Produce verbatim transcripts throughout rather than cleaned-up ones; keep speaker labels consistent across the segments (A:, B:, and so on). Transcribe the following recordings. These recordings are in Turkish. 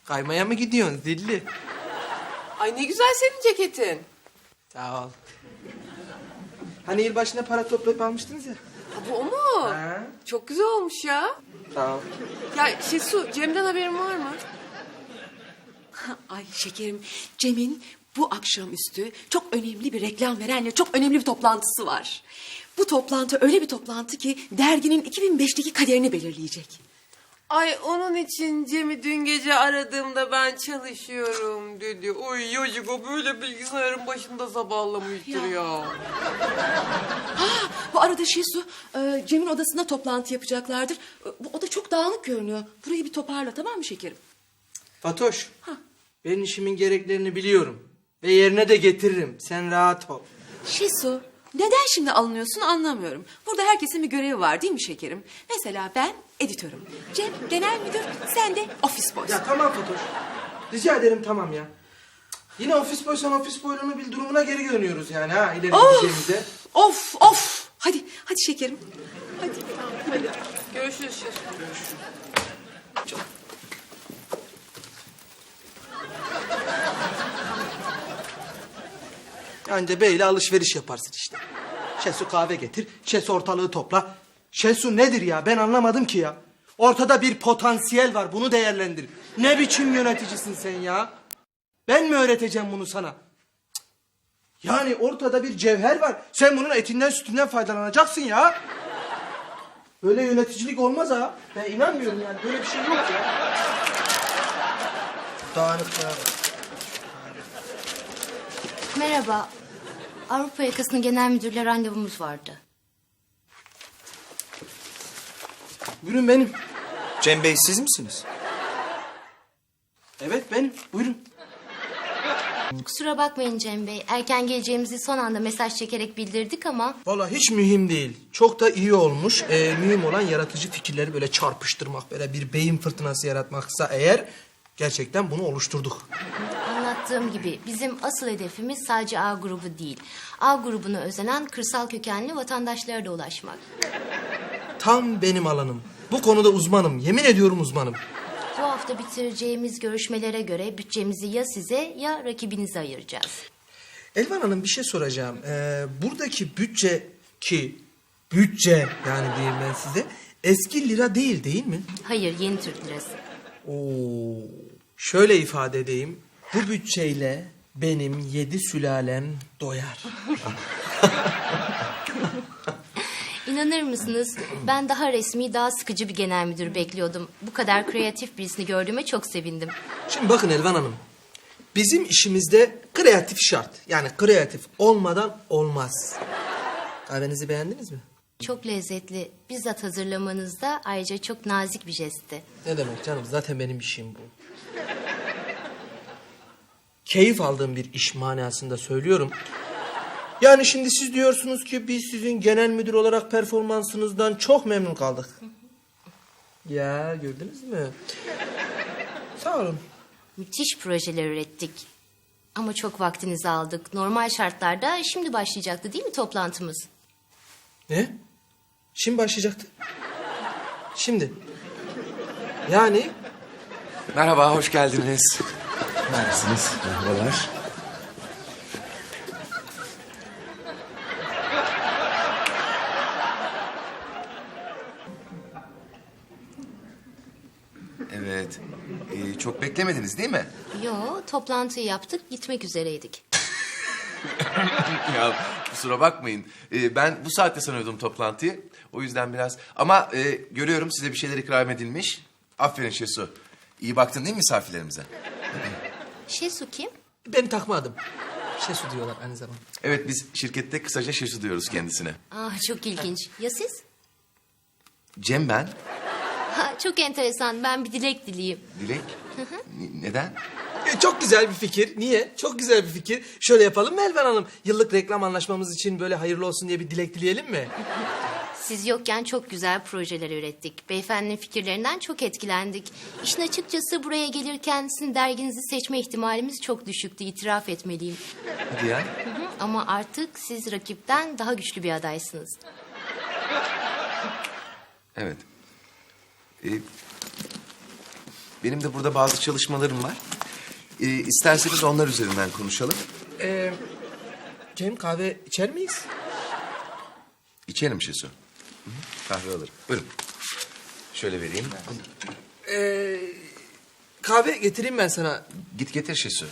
A: Kaymaya mı gidiyorsun zilli?
B: Ay ne güzel senin ceketin.
A: Sağ ol. Hani yılbaşına para toplayıp almıştınız ya.
B: Ha, bu o mu?
A: Ha?
B: Çok güzel olmuş ya.
A: Sağ ol.
B: Ya Şesu, Cem'den haberin var mı?
C: Ay şekerim, Cem'in bu akşamüstü çok önemli bir reklam verenle çok önemli bir toplantısı var. Bu toplantı öyle bir toplantı ki derginin iki bin beşteki kaderini belirleyecek.
B: Ay onun için Cem'i dün gece aradığımda ben çalışıyorum dedi. Oy yocuk o böyle bilgisayarın başında sabahlamıştır ya.
C: Ya. Bu arada Şesu, e, Cem'in odasında toplantı yapacaklardır. E, Bu oda çok dağınık görünüyor. Burayı bir toparla, tamam mı şekerim?
A: Fatoş. Ben işimin gereklerini biliyorum. Ve yerine de getiririm. Sen rahat ol.
C: Şesu, neden şimdi alınıyorsun anlamıyorum. Burada herkesin bir görevi var değil mi şekerim? Mesela ben editörüm. Cem genel müdür, sen de ofis boy.
A: Ya tamam Fatoş. Rica ederim tamam ya. Yine ofis boysan ofis boyluğunu bil durumuna geri dönüyoruz yani ha ileri gideceğimize.
C: Of of. Hadi hadi şekerim. Hadi.
B: Hadi görüşürüz Şesu.
A: Anca böyle alışveriş yaparsın işte. Şesu kahve getir, Şesu ortalığı topla. Şesu nedir ya ben anlamadım ki ya. Ortada bir potansiyel var bunu değerlendir. Ne biçim yöneticisin sen ya? Ben mi öğreteceğim bunu sana? Cık. Yani ortada bir cevher var. Sen bunun etinden sütünden faydalanacaksın ya. Böyle yöneticilik olmaz ha. Ben inanmıyorum yani böyle bir şey yok ya. Dağınık ya.
D: Merhaba. Avrupa Yakası'nın genel müdürle randevumuz vardı.
A: Buyurun benim.
E: Cem Bey siz misiniz?
A: Evet benim. Buyurun.
D: Kusura bakmayın Cem Bey. Erken geleceğimizi son anda mesaj çekerek bildirdik ama...
A: Vallahi hiç mühim değil. Çok da iyi olmuş. Ee, mühim olan yaratıcı fikirleri böyle çarpıştırmak, böyle bir beyin fırtınası yaratmaksa eğer gerçekten bunu oluşturduk.
D: Anlattığım gibi bizim asıl hedefimiz sadece A grubu değil. A grubuna özenen kırsal kökenli vatandaşlara da ulaşmak.
A: Tam benim alanım. Bu konuda uzmanım. Yemin ediyorum uzmanım.
D: Bu hafta bitireceğimiz görüşmelere göre bütçemizi ya size ya rakibinize ayıracağız.
A: Elvan Hanım bir şey soracağım. Ee, buradaki bütçe ki bütçe yani diyeyim ben size eski lira değil değil mi?
D: Hayır, yeni Türk lirası.
A: Oo. Şöyle ifade edeyim. Bu bütçeyle benim yedi sülalem doyar.
D: İnanır mısınız? Ben daha resmi, daha sıkıcı bir genel müdür bekliyordum. Bu kadar kreatif birisini gördüğüme çok sevindim.
A: Şimdi bakın Elvan Hanım. Bizim işimizde kreatif şart. Yani kreatif olmadan olmaz. Kahvenizi beğendiniz mi?
D: Çok lezzetli. Bizzat hazırlamanızda ayrıca çok nazik bir jestti.
A: Ne demek canım? Zaten benim işim bu. Keyif aldığım bir iş manasında söylüyorum. Yani şimdi siz diyorsunuz ki biz sizin genel müdür olarak performansınızdan çok memnun kaldık. Ya gördünüz mü? Sağ olun.
D: Müthiş projeler ürettik. Ama çok vaktinizi aldık. Normal şartlarda şimdi başlayacaktı değil mi toplantımız?
A: Ne? Şimdi başlayacaktı. Şimdi. Yani
E: Merhaba, hoş geldiniz. Neredesiniz? Merhabalar. Evet. Ee, çok beklemediniz değil mi?
D: Yo, toplantıyı yaptık, gitmek üzereydik.
E: Ya kusura bakmayın. Ee, ben bu saatte sanıyordum toplantıyı. O yüzden biraz... Ama e, görüyorum size bir şeyler ikram edilmiş. Aferin Şesu. İyi baktın değil mi misafirlerimize?
D: Şesu kim?
A: beni takma adım. Şesu diyorlar aynı zamanda.
E: Evet, biz şirkette kısaca Şesu diyoruz kendisine.
D: Ah, çok ilginç. Ya siz?
E: Cem ben.
D: Ha, çok enteresan. Ben bir dilek dileyim.
E: Dilek. N- neden?
A: E, çok güzel bir fikir. Niye? Çok güzel bir fikir. Şöyle yapalım mı Elvan Hanım? Yıllık reklam anlaşmamız için böyle hayırlı olsun diye bir dilek dileyelim mi?
D: Siz yokken çok güzel projeler ürettik. Beyefendinin fikirlerinden çok etkilendik. İşin açıkçası buraya gelirken sizin derginizi seçme ihtimalimiz çok düşüktü. İtiraf etmeliyim.
E: Hadi ya.
D: Hı hı, ama artık siz rakipten daha güçlü bir adaysınız.
E: Evet. Ee, benim de burada bazı çalışmalarım var. Ee, isterseniz onlar üzerinden konuşalım.
A: Ee, Cem kahve içer miyiz?
E: İçelim Şesu. Hı hı, kahve alırım. Buyurun. Şöyle vereyim.
A: Ee, kahve getireyim ben sana.
E: Git getir Şesu.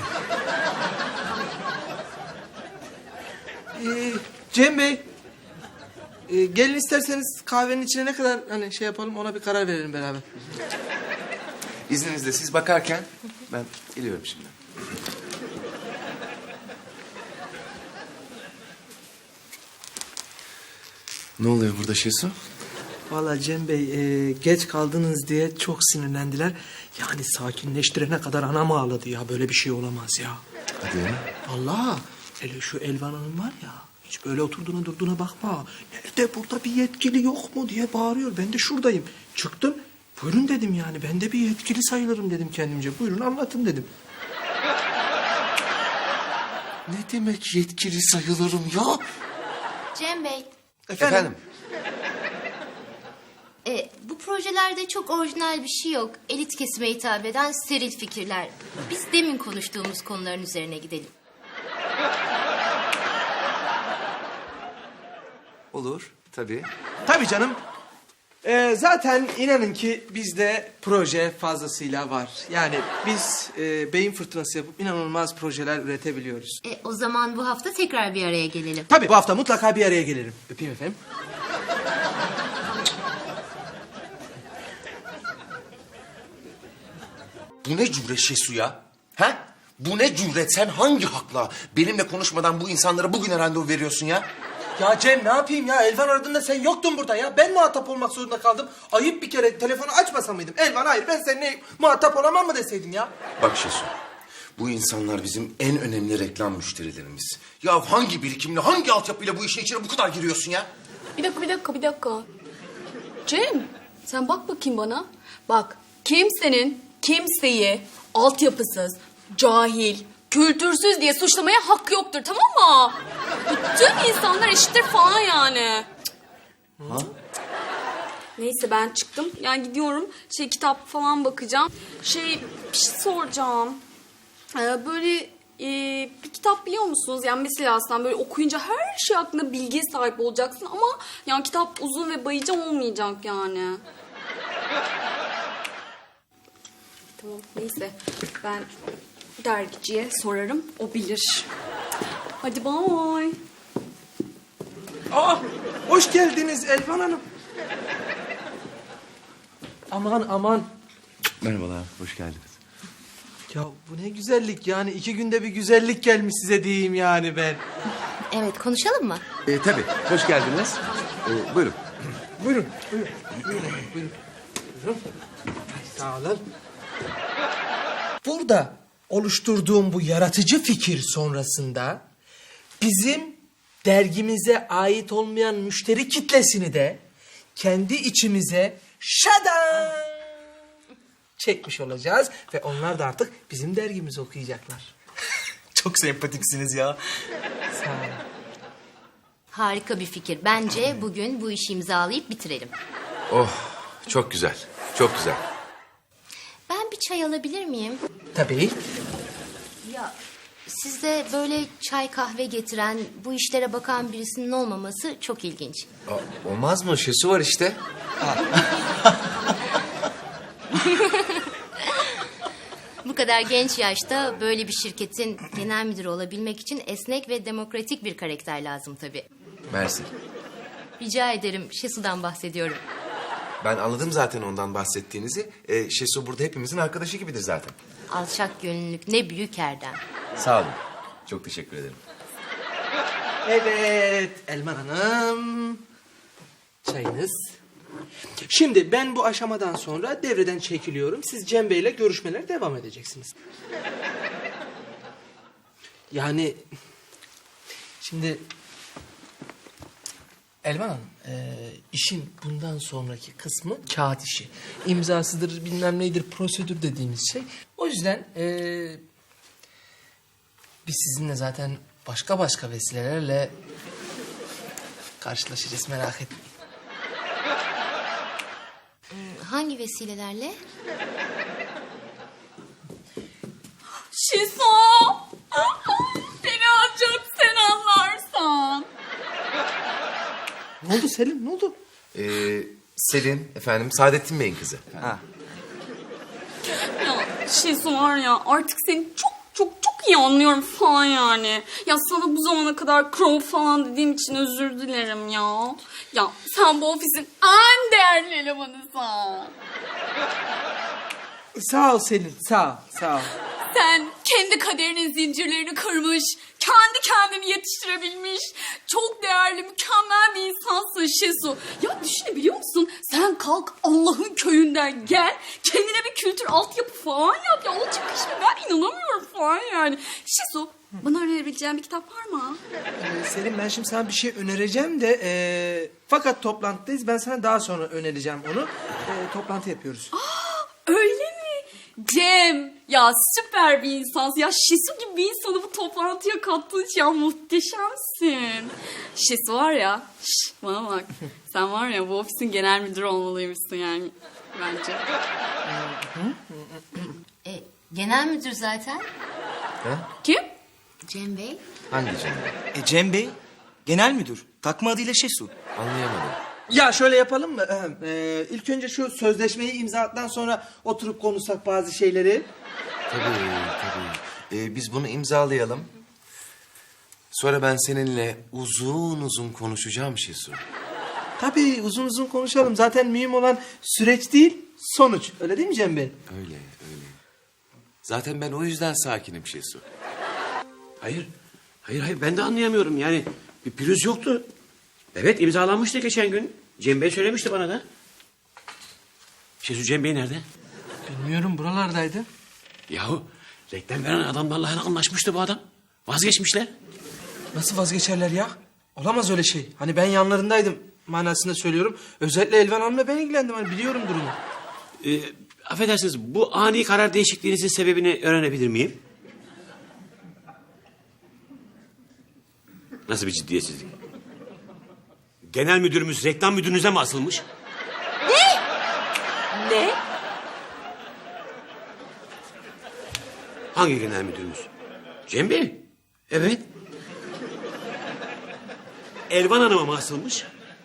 A: Ee, Cem Bey. Ee, gelin isterseniz kahvenin içine ne kadar hani şey yapalım ona bir karar verelim beraber.
E: İzninizle siz bakarken ben geliyorum şimdi. Ne oluyor burada Şesu?
A: Vallahi Cem Bey e, geç kaldınız diye çok sinirlendiler. Yani sakinleştirene kadar anam ağladı ya. Böyle bir şey olamaz ya.
E: Hadi ya.
A: Allah hele şu Elvan Hanım var ya. Hiç böyle oturduğuna durduğuna bakma. Nerede burada bir yetkili yok mu diye bağırıyor. Ben de şuradayım. Çıktım. Buyurun dedim yani. Ben de bir yetkili sayılırım dedim kendimce. Buyurun anlatın dedim.
E: Ne demek yetkili sayılırım ya?
D: Cem Bey,
A: Efendim?
E: Efendim?
D: e, bu projelerde çok orijinal bir şey yok. Elit kesime hitap eden steril fikirler. Biz demin konuştuğumuz konuların üzerine gidelim.
E: Olur tabii.
A: Tabii canım. Ee, zaten inanın ki bizde proje fazlasıyla var. Yani biz e, beyin fırtınası yapıp inanılmaz projeler üretebiliyoruz.
D: E, o zaman bu hafta tekrar bir araya gelelim.
A: Tabii bu hafta mutlaka bir araya gelirim. Öpeyim efendim.
E: Bu ne cüret Şesu ya? Ha? Bu ne cüret? Sen hangi hakla benimle konuşmadan bu insanlara bugüne randevu veriyorsun ya?
A: Ya Cem ne yapayım ya? Elvan aradığında sen yoktun burada ya. Ben muhatap olmak zorunda kaldım. Ayıp bir kere telefonu açmasa mıydım? Elvan hayır ben seninle muhatap olamam mı deseydim ya?
E: Bak Şesu, bu insanlar bizim en önemli reklam müşterilerimiz. Ya hangi birikimle, hangi altyapıyla bu işin içine bu kadar giriyorsun ya?
C: Bir dakika, bir dakika, bir dakika. Cem, sen bak bakayım bana. Bak, kimsenin kimseyi altyapısız, cahil, kültürsüz diye suçlamaya hakkı yoktur, tamam mı? Bütün insanlar eşittir falan yani.
E: Ha?
C: Neyse ben çıktım. Yani gidiyorum. Şey kitap falan bakacağım. Şey bir şey soracağım. Ee, böyle e, bir kitap biliyor musunuz? Yani mesela aslında böyle okuyunca her şey hakkında bilgiye sahip olacaksın ama yani kitap uzun ve bayıcı olmayacak yani. Tamam neyse ben dergiciye sorarım o bilir. Hadi bye.
A: Aa, hoş geldiniz Elvan Hanım. Aman aman.
E: Merhabalar, hoş geldiniz.
A: Ya bu ne güzellik yani. iki günde bir güzellik gelmiş size diyeyim yani ben.
D: Evet, konuşalım mı?
E: Ee, tabii, hoş geldiniz. Ee, buyurun.
A: Buyurun, buyurun, buyurun, buyurun. Buyurun. Sağ olun. Burada oluşturduğum bu yaratıcı fikir sonrasında bizim dergimize ait olmayan müşteri kitlesini de kendi içimize şadan çekmiş olacağız ve onlar da artık bizim dergimizi okuyacaklar.
F: Çok sempatiksiniz ya.
A: Sağ olun.
D: Harika bir fikir. Bence bugün bu işi imzalayıp bitirelim.
E: Oh, çok güzel, çok güzel.
D: Ben bir çay alabilir miyim?
A: Tabii.
D: Ya sizde böyle çay kahve getiren, bu işlere bakan birisinin olmaması çok ilginç.
E: Aa, olmaz mı? Şesu var işte.
D: Bu kadar genç yaşta böyle bir şirketin genel müdürü olabilmek için esnek ve demokratik bir karakter lazım tabii.
E: Mersi.
D: Rica ederim, Şesu'dan bahsediyorum.
E: Ben anladım zaten ondan bahsettiğinizi. Ee, Şesu burada hepimizin arkadaşı gibidir zaten.
D: Alçak gönüllülük ne büyük erdem.
E: Sağ olun. Çok teşekkür ederim.
A: Evet Elman Hanım. Çayınız. Şimdi ben bu aşamadan sonra devreden çekiliyorum. Siz Cem Bey'le görüşmelere devam edeceksiniz. Yani şimdi Elman Hanım, e, işin bundan sonraki kısmı kağıt işi. İmzasıdır, bilmem neydir, prosedür dediğimiz şey. O yüzden e, biz sizinle zaten başka başka vesilelerle karşılaşacağız, merak etmeyin.
D: Hangi vesilelerle?
C: Şiso. Beni ancak sen anlarsan.
A: Ne oldu Selim, ne oldu?
E: Ee, Selin efendim, Saadettin Bey'in kızı.
A: Ha.
C: Ya Şiso var ya artık seni çok çok çok iyi anlıyorum falan yani. Ya sana bu zamana kadar crow falan dediğim için özür dilerim ya. Ya sen bu ofisin en değerli elemanısın.
A: Sağ ol Selin, sağ ol, sağ ol.
C: Sen kendi kaderinin zincirlerini kırmış, kendi kendini yetiştirebilmiş, çok değerli, mükemmel bir insansın Şesu. Ya düşünebiliyor musun? Sen kalk Allah'ın köyünden gel, kendine bir kültür altyapı falan yap. Ya olacak iş mi? Ben inanamıyorum falan yani. Şesu, bana önerebileceğin bir kitap var mı?
A: Ee, Selim ben şimdi sana bir şey önereceğim de... ee, fakat toplantıdayız, ben sana daha sonra önereceğim onu. Ee, toplantı yapıyoruz.
C: Öyle mi? Cem, ya süper bir insansın. Ya Şesu gibi bir insanı bu toplantıya kattığın için ya muhteşemsin. Şesu var ya, şş, bana bak. Sen var ya bu ofisin genel müdürü olmalıymışsın yani bence.
D: E, genel müdür zaten.
C: Kim?
D: Cem Bey.
E: Hangi Cem?
F: E Cem Bey, genel müdür. Takma adıyla Şesu.
E: Anlayamadım.
A: Ya şöyle yapalım mı? Ee, ilk önce şu sözleşmeyi imzaladıktan sonra oturup konuşsak bazı şeyleri.
E: Tabii, tabii. Ee, biz bunu imzalayalım. Sonra ben seninle uzun uzun konuşacağım Şesu.
A: Tabii uzun uzun konuşalım. Zaten mühim olan süreç değil, sonuç. Öyle değil mi Cem Bey?
E: Öyle, öyle. Zaten ben o yüzden sakinim Şesu.
G: Hayır. Hayır hayır ben de anlayamıyorum yani. Bir pürüz yoktu. Evet imzalanmıştı geçen gün. Cem Bey söylemişti bana da. Şesu Cem Bey nerede?
A: Bilmiyorum, buralardaydı.
G: Yahu reklam veren adamlarla hani anlaşmıştı bu adam. Vazgeçmişler.
A: Nasıl vazgeçerler ya? Olamaz öyle şey. Hani ben yanlarındaydım manasında söylüyorum. Özellikle Elvan Hanım'la ben ilgilendim. Hani biliyorum durumu.
G: Ee, affedersiniz bu ani karar değişikliğinizin sebebini öğrenebilir miyim? Nasıl bir ciddiyetsizlik? Genel müdürümüz reklam müdürünüze mi asılmış?
B: Ne?
G: Hangi genel müdürümüz? Cem Bey. Evet. Elvan Hanım'a mı asılmış?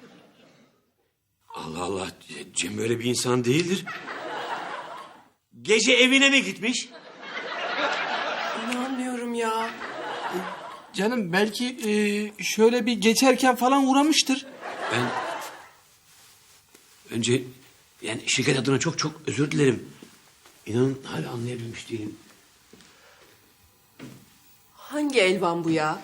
G: Allah Allah. Cem böyle bir insan değildir. Gece evine mi gitmiş?
B: İnanmıyorum ya.
A: Canım belki e, şöyle bir geçerken falan uğramıştır.
G: Ben... Önce... Yani şirket adına çok çok özür dilerim. İnanın hala anlayabilmiş değilim.
B: Hangi Elvan bu ya?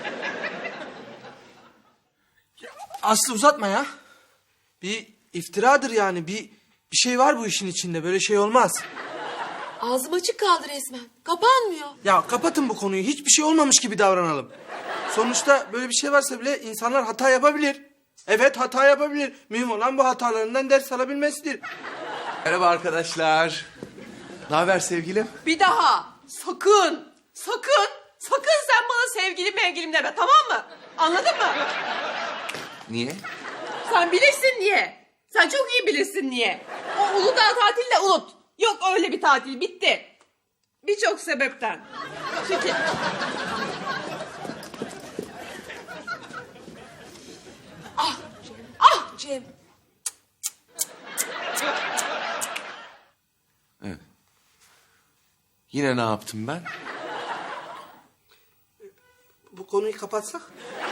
A: Aslı uzatma ya. Bir iftiradır yani. Bir, bir şey var bu işin içinde. Böyle şey olmaz.
B: Ağzım açık kaldı resmen. Kapanmıyor.
A: Ya kapatın bu konuyu. Hiçbir şey olmamış gibi davranalım. Sonuçta böyle bir şey varsa bile insanlar hata yapabilir. Evet hata yapabilir. Mühim olan bu hatalarından ders alabilmesidir.
E: Merhaba arkadaşlar. Ne haber sevgilim?
B: Bir daha sakın, sakın, sakın sen bana sevgilim mevgilim deme, tamam mı? Anladın mı?
E: Niye?
B: Sen bilirsin niye. Sen çok iyi bilirsin niye. O Uludağ tatilini de unut. Yok öyle bir tatil, bitti. Birçok sebepten. Çünkü... Ah, ah Cem.
E: Yine ne yaptım ben?
A: Bu konuyu kapatsak?